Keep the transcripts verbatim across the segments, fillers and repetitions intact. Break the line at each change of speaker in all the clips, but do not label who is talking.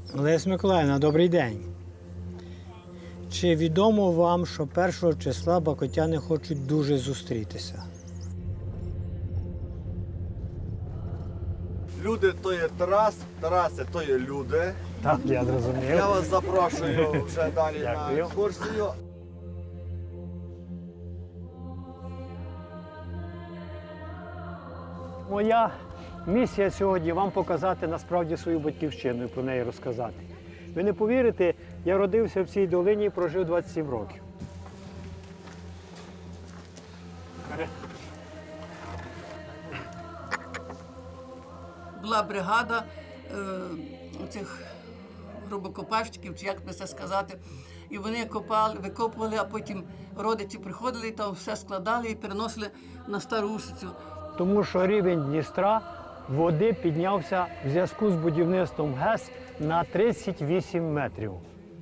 Леся Миколаївна, добрий день. Чи відомо вам, що першого числа бакотяни хочуть дуже зустрітися?
Люди то є Тарас, Тараси то є люди.
Так, я зрозумів.
Я вас запрошую вже далі на
Дякую.
екскурсію.
Моя місія сьогодні вам показати насправді свою батьківщину і про неї розказати. Ви не повірите, я родився в цій долині і прожив двадцять сім років.
Була бригада е, цих грубокопальщиків, чи як би це сказати, і вони копали, викопували, а потім родичі приходили, і там все складали і переносили на Стару Усицю.
Тому що рівень Дністра води піднявся в зв'язку з будівництвом ГЕС на тридцять вісім метрів.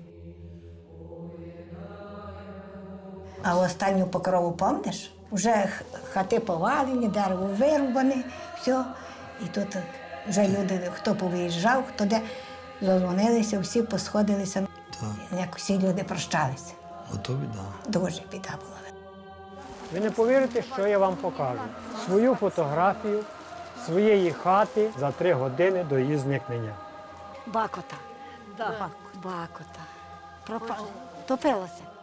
А останню покрову пам'ятаєш? Вже хати повалені, дерево вирубане, все. І тут вже люди, хто повиїжджав, хто де, задзвонилися, всі посходилися.
Так.
Як всі люди прощалися.
Ото біда.
Дуже біда була.
Ви не повірите, що я вам покажу. Свою фотографію своєї хати за три години до її зникнення.
Бакота. Да. Бакота. Пропала. Топилася.